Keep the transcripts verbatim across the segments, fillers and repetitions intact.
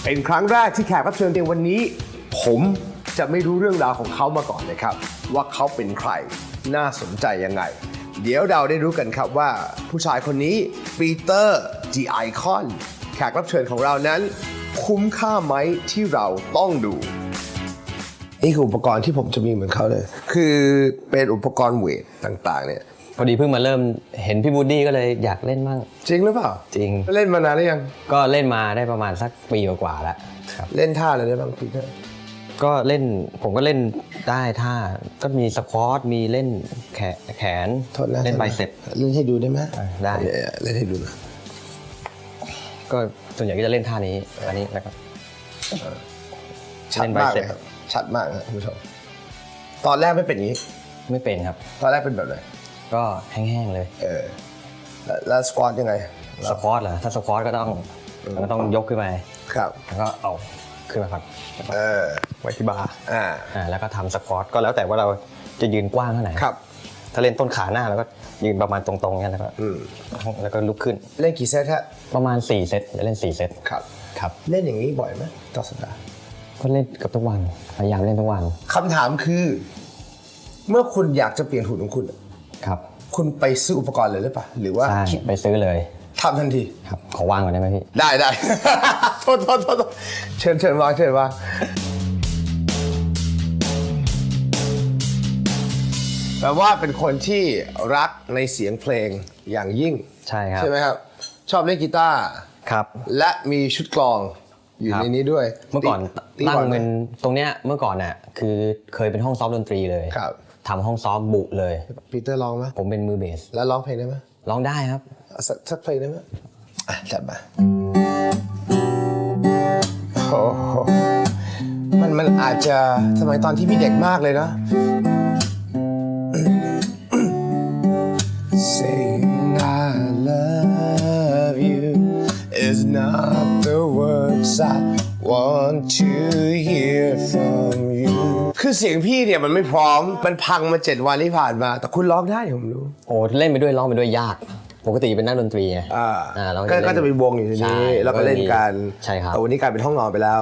เป็นครั้งแรกที่แขกรับเชิญในวันนี้ผมจะไม่รู้เรื่องราวของเขามาก่อนเลยครับว่าเขาเป็นใครน่าสนใจยังไงเดี๋ยวเราได้รู้กันครับว่าผู้ชายคนนี้ปีเตอร์ The Icon แขกรับเชิญของเรานั้นคุ้มค่าไหมที่เราต้องดูนี่คืออุปกรณ์ที่ผมจะมีเหมือนเขาเลยคือเป็นอุปกรณ์เวทต่างๆเนี่ยพอดีเพิ่งมาเริ่มเห็นพี่บูดดี้ก็เลยอยากเล่นมั่งจริงหรือเปล่าจริงเล่นมานานหรือยังก็เล่นมาได้ประมาณสักปีกว่าแล้วครับเล่นท่าอะไรได้บ้างพี่ก็เล่นผมก็เล่นได้ท่าก็มีสควอตมีเล่นแขนแขนเล่นไบเซ็ปเล่นให้ดูได้ไหมได้เล่นให้ดูนะก็ส่วนใหญ่ก็จะเล่นท่านี้อันนี้แล้วก็ชัดมากเลยชัดมากนะคุณผู้ชมตอนแรกไม่เป็นอย่างนี้ไม่เป็นครับตอนแรกเป็นแบบไหนก็แห้งๆเลยเออแล้วสควอตยังไงสควอตเหรอถ้าสควอตก็ต้องก็ต้องยกขึ้นไปครับแล้วก็เอาขึ้นมาครับเออไว้ที่บาร์อ่าอ่าแล้วก็ทำสควอตก็แล้วแต่ว่าเราจะยืนกว้างเท่าไหร่ครับถ้าเล่นต้นขาหน้าแล้วก็ยืนประมาณตรงๆงั้นแล้วก็แล้วก็ลุกขึ้นเล่นกี่เซตฮะประมาณสี่เซตจะเล่นสี่เซตครับครับเล่นอย่างนี้บ่อยไหมต่อสัปดาห์ก็เล่นกับทุกวันพยายามเล่นทุกวันคำถามคือเมื่อคุณอยากจะเปลี่ยนหุ่นของคุณครับคุณไปซื้ออุปกรณ์เลยหรือเปล่าหรือว่าใช่ไปซื้อเลยทำทันทีครับขอวางก่อนได้ไหมพี่ได้ได้ โทษโทษโทษเชิญเชิญวางเชิญวางแปลว่าเป็นคนที่รักในเสียงเพลงอย่างยิ่งใช่ครับใช่ไหมครับชอบเล่นกีตาร์ครับและมีชุดกลองอยู่ในนี้ด้วยเมื่อก่อนตั้งเป็นตรงเนี้ยเมื่อก่อนน่ะคือเคยเป็นห้องซ้อมดนตรีเลยครับทำห้องซ้อมบุเลยปีเตอร์ร้องไหมผมเป็นมือเบสแล้วร้องเพลงได้ไหมร้องได้ครับสักสักเพลงได้ไหมอ่ะจัดมาโอ้โหมันมันอาจจะสมัยตอนที่พี่เด็กมากเลยนะ Saying I love you is not the words I want to hear from you คือเสียงพี่เนี่ยมันไม่พร้อมมันพังมาเจ็ดวันที่ผ่านมาแต่คุณร้องได้ผมรู้โอ้เล่นไปด้วยร้องไปด้วยยากปกติเป็นนักดนตรีไงอ่าก็จะเป็นวงอยู่ที่นี่แล้วก็เล่นกันใช่ครับแต่วันนี้กลายเป็นห้องนอนไปแล้ว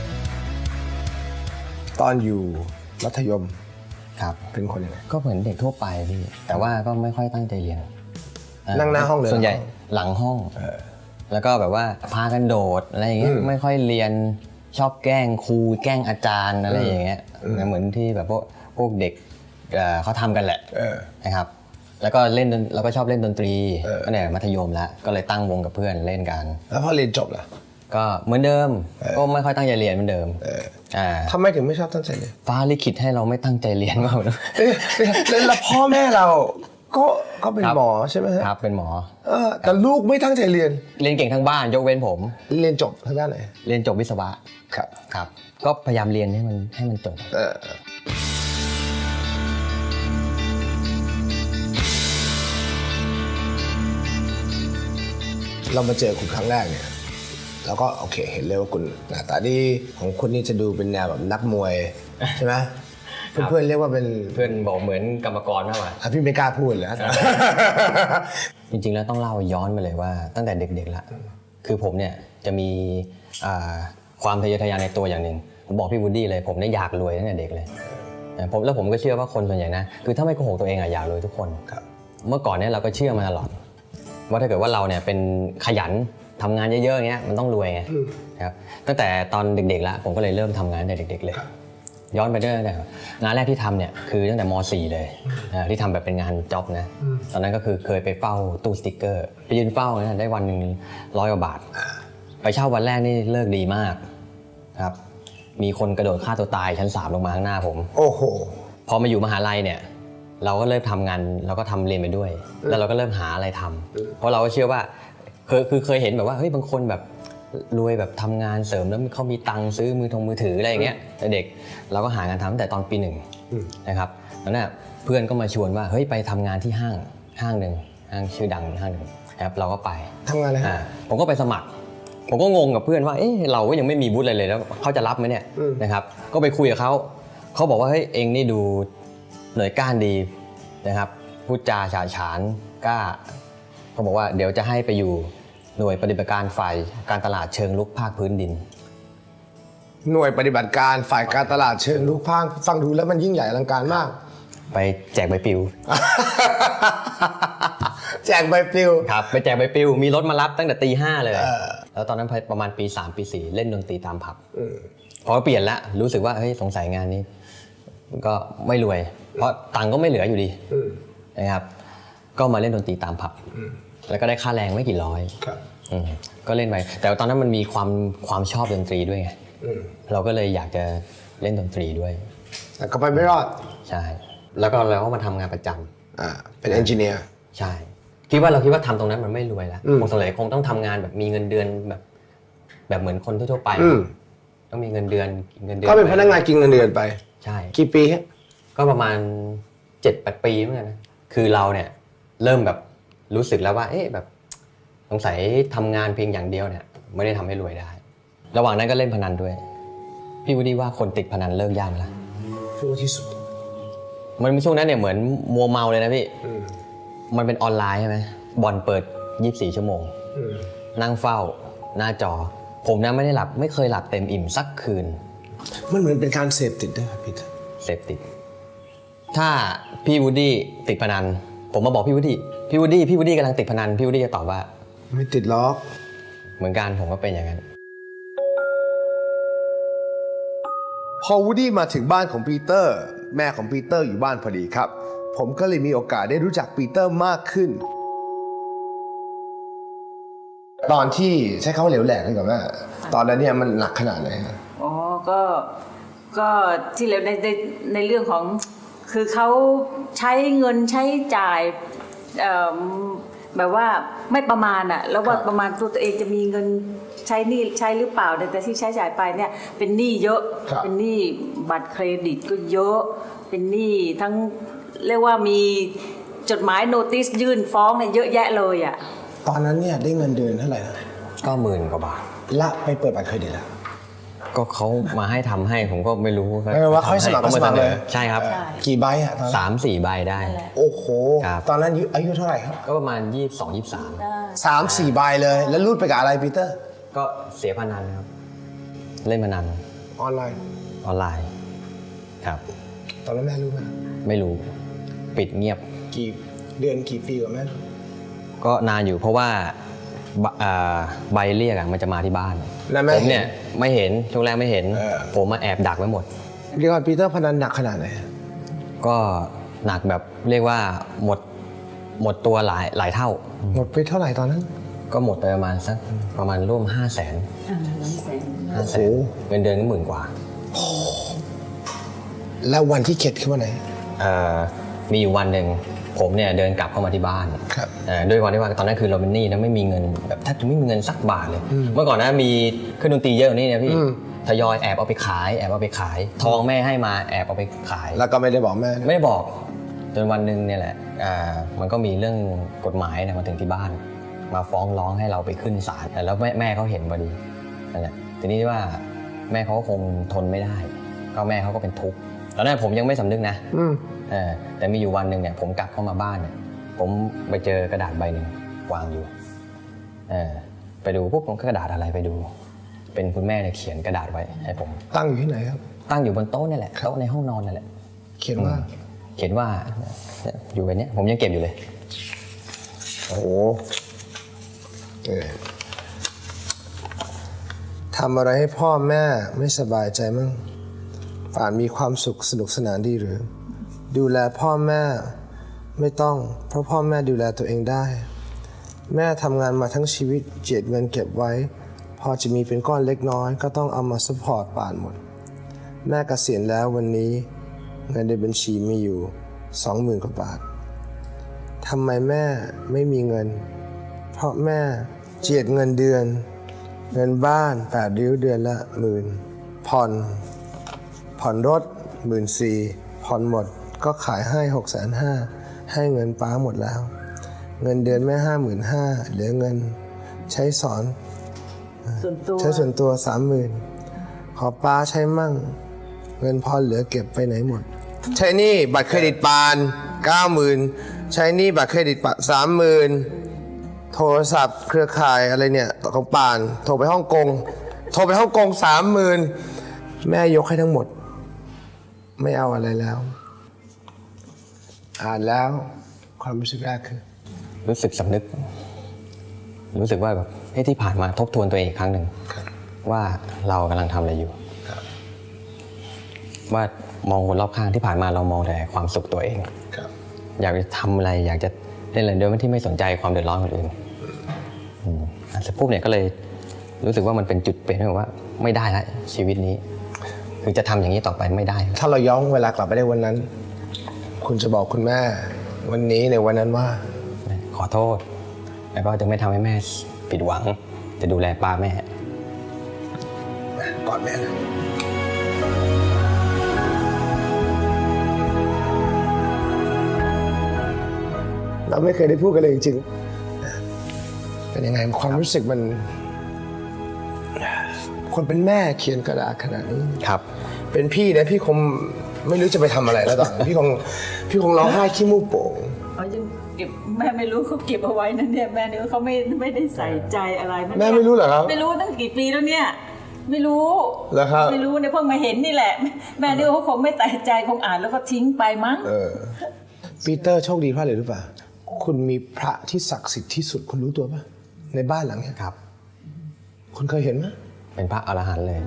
ตอนอยู่มัธยมครับเป็นคนยังไงก็เหมือนเด็กทั่วไปพี่แต่ว่าก็ไม่ค่อยตั้งใจเรียนนั่งหน้าห้องเลยส่วนใหญ่หลังห้องแล้วก็แบบว่าพากันโดดอะไรอย่างเงี้ยไม่ค่อยเรียนชอบแกล้งครูแกล้งอาจารย์อะไรอย่างเงี้ยเหมือนที่แบบพวกพวกเด็กเขาทำกันแหละนะครับแล้วก็เล่นแล้วก็ชอบเล่นดนตรีก็เนี่ยมัธยมแล้วก็เลยตั้งวงกับเพื่อนเล่นกันแล้วพอเรียนจบล่ะก็เหมือนเดิมก็ไม่ค่อยตั้งใจเรียนเหมือนเดิมอ่าทำไมถึงไม่ชอบตั้งใจเรียนฟ้าลิขิตให้เราไม่ตั้งใจเรียนมากนะแล้วพ่อแม่เราก็ก็เป็นหมอใช่ไหมครับเป็นหมอแต่ลูกไม่ตั้งใจเรียนเรียนเก่งทั้งบ้านยกเว้นผมเรียนจบทางด้านไหนเรียนจบวิศวะครับครับก็พยายามเรียนให้มันให้มันจบเรามาเจอคุณครั้งแรกเนี่ยเราก็โอเคเห็นเลยว่าคุณหน้าตาดีของคุณนี่จะดูเป็นแนวแบบนักมวยใช่ไหมเพื่อนๆเรียกว่าเป็นเพื่อนบอกเหมือนกรรมกรมากกว่าพี่ไม่กล้าพูดเลยจริงๆแล้วต้องเล่าย้อนไปเลยว่าตั้งแต่เด็กๆละคือผมเนี่ยจะมีความทะเยอทะยานในตัวอย่างหนึ่งผมบอกพี่วูดดี้เลยผมเนี่ยอยากรวยตั้งแต่เด็กเลยผมแล้วผมก็เชื่อว่าคนส่วนใหญ่นะคือถ้าไม่โกหกตัวเองอะอยากรวยทุกคนเมื่อก่อนเนี่ยเราก็เชื่อมาตลอดว่าถ้าเกิดว่าเราเนี่ยเป็นขยันทำงานเยอะๆอย่างเงี้ยมันต้องรวยไงครับตั้งแต่ตอนเด็กๆแล้วผมก็เลยเริ่มทำงานตั้งแต่เด็กๆเลยย้อนไปเรื่อยๆงานแรกที่ทำเนี่ยคือตั้งแต่ม.สี่ เลยที่ทำแบบเป็นงานจ็อบนะตอนนั้นก็คือเคยไปเฝ้าตู้สติ๊กเกอร์ไปยืนเฝ้านะได้วันหนึ่งร้อยกว่าบาทไปเช่าวันแรกนี่เลิกดีมากครับมีคนกระโดดฆ่าตัวตายชั้นสามลงมาข้างหน้าผมโอ้โหพอมาอยู่มหาลัยเนี่ยเราก็เริ่มทำงานเราก็ทำเรียนไปด้วยแล้วเราก็เริ่มหาอะไรทำเพราะเราก็เชื่อว่าคือคือเคยเห็นแบบว่าเฮ้ยบางคนแบบรวยแบบทำงานเสริมแล้วเขามีตังค์ซื้อมือถงมือถืออะไรอย่างเงี้ยแต่เด็กเราก็หางานทำตั้งแต่ตอนปีหนึ่งนะครับแล้วเนี่ยเพื่อนก็มาชวนว่าเฮ้ยไปทำงานที่ห้างห้างหนึ่งห้างชื่อดังห้างหนึ่งครับเราก็ไปทำงานอะไรฮะผมก็ไปสมัครผมก็งงกับเพื่อนว่าเอ๊ะเราก็ยังไม่มีวุฒิอะไรเลยแล้วเขาจะรับไหมเนี่ยนะครับก็ไปคุยกับเขาเขาบอกว่าเฮ้ยเองนี่ดูหน่วยก้านดีนะครับพูดจาฉาฉานกล้าเขาบอกว่าเดี๋ยวจะให้ไปอยู่หน่วยปฏิบัติการฝ่ายการตลาดเชิงลุกภาคพื้นดินหน่วยปฏิบัติการฝ่ายการตลาดเชิงลุกพางฟังดูแล้วมันยิ่งใหญ่อลังการมากไปแจกใบปลิวแจกใบปลิวครับไปแจกใบปลิวมีรถมารับตั้งแต่ตีห้าเลยแล้วตอนนั้นประมาณปีสามปีสี่เล่นดนตรีตามผับพอเปลี่ยนละรู้สึกว่าเฮ้ยสงสัยงานนี้ก็ไม่รวยเพราะตังค์ก็ไม่เหลืออยู่ดีนะครับก็มาเล่นดนตรีตามผับแล้วก็ได้ค่าแรงไม่กี่ร้อยก็เล่นไปแต่ตอนนั้นมันมีความความชอบดนตรีด้วยไงเราก็เลยอยากจะเล่นดนตรีด้วยแต่ก็ไปไม่รอดใช่แล้วก็เราก็มาทำงานประจำอ่าเป็นเอนจิเนียร์ใช่คิดว่าเราคิดว่าทำตรงนั้นมันไม่รวยแล้วคงสมัยคงต้องทำงานแบบมีเงินเดือนแบบแบบเหมือนคนทั่วไปต้องมีเงินเดือนเงินเดือนก็เป็นพนักงานกินเงินเดือนไปใช่กี่ปีฮะก็ประมาณเจ็ดแปดปีเหมือนกันนะคือเราเนี่ยเริ่มแบบรู้สึกแล้วว่าเอ๊ะแบบสงสัยทำงานเพียงอย่างเดียวเนี่ยไม่ได้ทำให้รวยได้ระหว่างนั้นก็เล่นพนันด้วยพี่วูดดี้ว่าคนติดพนันเลิกยากไหมล่ะช่วงที่สุดมันช่วงนั้นเนี่ยเหมือนมัวเมาเลยนะพี่มันเป็นออนไลน์ใช่ไหมบอลเปิดยี่สิบสี่ชั่วโมงนั่งเฝ้าหน้าจอผมนะไม่ได้หลับไม่เคยหลับเต็มอิ่มสักคืนมันเหมือนเป็นการเสพติดด้วยพี่เสพติดถ้าพี่วูดดี้ติดพนันผมมาบอกพี่วูดดี้พี่วูดดี้พี่วูดดี้กำลังติดพนันพี่วูดดี้จะตอบว่าไม่ติดล็อกเหมือนกันผมก็เป็นอย่างนั้นพอวูดดี้มาถึงบ้านของปีเตอร์แม่ของปีเตอร์อยู่บ้านพอดีครับผมก็เลยมีโอกาสได้รู้จักปีเตอร์มากขึ้นตอนที่ใช้คำว่าเหลวแหลกเลยกับแม่ตอนนั้นเนี่ยมันหนักขนาดไหนครับอ๋อก็ก็ที่เหลวในในในเรื่องของคือเขาใช้เงินใช้จ่ายแบบว่าไม่ประมาณอะแล้วว่าประมาณตัวตัวเองจะมีเงินใช้หนี้ใช้หรือเปล่าแต่ที่ใช้จ่ายไปเนี่ยเป็นหนี้เยอะเป็นหนี้บัตรเครดิตก็เยอะเป็นหนี้ทั้งเรียกว่ามีจดหมายโนติสยื่นฟ้องเนี่ยเยอะแยะเลยอะตอนนั้นเนี่ยได้เงินเดือนเท่าไหร่นะก็หมื่นกว่าบาทละไปเปิดบัตรเครดิตแล้วก็เขามาให้ทำให้ผมก็ไม่รู้ไม่ว่าเขาสมัครก็สมัครเลยใช่ครับกี่ใบอะตอนสามสี่ใบได้โอ้โหตอนนั้นอายุเท่าไหร่ครับก็ประมาณยี่สิบสองยี่สิบสามสามสี่ใบเลยแล้วรูดไปกับอะไรปีเตอร์ก็เสียพนันครับเล่นพนันออนไลน์ออนไลน์ครับตอนนั้นแม่รู้ไหมไม่รู้ปิดเงียบกี่เดือนกี่ปีกว่าแม่ก็นานอยู่เพราะว่าใบเรียกมันจะมาที่บ้านผมเนี่ยไม่เห็นช่วงแรกไม่เห็นผมมาแอบดักไว้หมดเรียกว่าปีเตอร์พนันหนักขนาดไหนก็หนักแบบเรียกว่าหมดหมดตัวหลายหลายเท่าหมดไปเท่าไหร่ตอนนั้นก็หมดไปประมาณสักประมาณร่วมห้าแสนห้าแสนเงินเดือนก็หมื่นกว่าแล้ววันที่เข็ดคือวันไหนมีอยู่วันหนึ่งผมเนี่ยเดินกลับเข้ามาที่บ้านด้วยความที่ว่าตอนนั้นคือเราเป็นหนี้นะไม่มีเงินแบบแทบจะไม่มีเงินสักบาทเลยเมื่อก่อนนะมีเครื่องดนตรีเยอะกว่านี้เนี่ยพี่ทยอยแอบเอาไปขายแอบเอาไปขายทองแม่ให้มาแอบเอาไปขายแล้วก็ไม่ได้บอกแม่ไม่ได้บอกจนวันหนึ่งเนี่ยแหละมันก็มีเรื่องกฎหมายเนี่ยมาถึงที่บ้านมาฟ้องร้องให้เราไปขึ้นศาลแล้วแม่แม่เขาเห็นพอดีนั่นแหละทีนี้ว่าแม่เขาก็คงทนไม่ได้ก็แม่เขาก็เป็นทุกข์ตอนนั้นผมยังไม่สำนึกนะแต่มีอยู่วันหนึ่งเนี่ยผมกลับเข้ามาบ้านเนี่ยผมไปเจอกระดาษใบหนึ่งวางอยู่ไปดูปุ๊บผมก็กระดาษอะไรไปดูเป็นคุณแม่เนี่ยเขียนกระดาษไว้ให้ผมตั้งอยู่ที่ไหนครับตั้งอยู่บนโต๊ะนี่แหละโต๊ะในห้องนอนนั่นแหละเขียนว่าเขียนว่าอยู่แบบนี้ผมยังเก็บอยู่เลยโอ้โหทำอะไรให้พ่อแม่ไม่สบายใจมั้งป่านมีความสุขสนุกสนานดีหรือดูแลพ่อแม่ไม่ต้องเพราะพ่อแม่ดูแลตัวเองได้แม่ทำงานมาทั้งชีวิตเจียดเงินเก็บไว้พอจะมีเป็นก้อนเล็กน้อยก็ต้องเอามาซัพพอร์ตป่านหมดแม่เกษียณแล้ววันนี้เงินในบัญชีมีอยู่สองหมื่นกว่าบาททำไมแม่ไม่มีเงินเพราะแม่เจียดเงินเดือนเงินบ้านแปดริ้วเดือนละหมื่นผ่อนผ่อนรถหมื่นสี่ผ่อนหมดก็ขายให้หกแสนห้าให้เงินป้าหมดแล้วเงินเดือนแม่ห้าหมื่นห้าเหลือเงินใช้สอนใช้ส่วนตัวสามหมื่นขอป้าใช้มั่งเงินพอเหลือเก็บไปไหนหมดใช้หนี้บัตรเครดิตปานเก้าหมื่นใช้หนี้บัตรเครดิตปานสามหมื่นโทรศัพท์เครือข่ายอะไรเนี่ยของปานโทรไปฮ่องกงโทรไปฮ่องกงสามหมื่นแม่ยกให้ทั้งหมด ไม่เอาอะไรแล้ว อ่านแล้วความรู้สึกแรกคือรู้สึกสำนึก รู้สึกว่าแบบเฮ้ยที่ผ่านมาทบทวนตัวเองอีกครั้งหนึ่งว่าเรากำลังทำอะไรอยู่ว่ามองคนรอบข้างที่ผ่านมาเรามองแต่ความสุขตัวเองอยากจะทำอะไรอยากจะเล่นอะไรโดยที่ไม่สนใจความเดือดร้อนคนอื่นเสร็จปุ๊บเนี่ยก็เลยรู้สึกว่ามันเป็นจุดเปลี่ยนที่แบบว่าไม่ได้ละชีวิตนี้คือจะทำอย่างนี้ต่อไปไม่ได้ถ้าเราย้อนเวลากลับไปได้วันนั้น คุณจะบอกคุณแม่วันนี้ในวันนั้นว่าขอโทษแล้วก็จะไม่ทำให้แม่ผิดหวังจะดูแลป้าแม่กอดแม่นะเราไม่เคยได้พูดกันเลยจริงๆเป็นยังไงความรู้สึกมันคนเป็นแม่เขียนกระดาษขนาดนี้ครับเป็นพี่นะพี่คงไม่รู้จะไปทำอะไรแล้วตอนพี่คงพี่คงร้องไห้ขี้มูกโป่งเขายังเก็บแม่ไม่รู้เขาเก็บเอาไว้นั่นเนี่ยแม่เนี่ยเขาไม่ไม่ได้ใส่ใจอะไรแม่ไม่รู้เหรอครับไม่รู้ตั้งกี่ปีแล้วเนี่ยไม่รู้เหรอครับไม่รู้เนี่ยเพิ่งมาเห็นนี่แหละแม่เนี่ยเขาคงไม่ใส่ใจคงอ่านแล้วก็ทิ้งไปมั้งเออปีเตอร์โชคดีเพราะอะไรรู้ป่ะคุณมีพระที่ศักดิ์สิทธิ์ที่สุดคุณรู้ตัวป่ะในบ้านหลังนี้ครับคุณเคยเห็นไหมเป็นพระอรหันต์เลย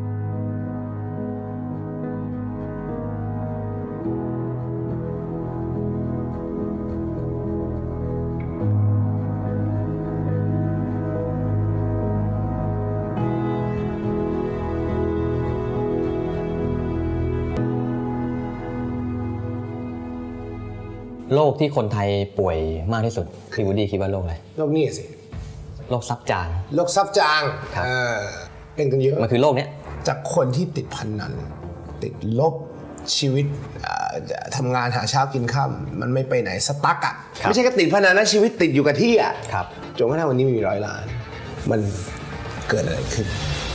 โรคที่คนไทยป่วยมากที่สุดคือวูดดี้คิดว่าโรคอะไรโรคนี้สิโรคซับจางโรคซับจางเป็นกันเยอะมันคือโรคนี้จากคนที่ติดพนันติดลบชีวิตทำงานหาเช้ากินค่ำมันไม่ไปไหนสตั๊กอ่ะไม่ใช่แค่ติดพนันนะชีวิตติดอยู่กับที่อ่ะจนกระทั่งวันนี้มีร้อยล้านมันเกิดอะไรขึ้น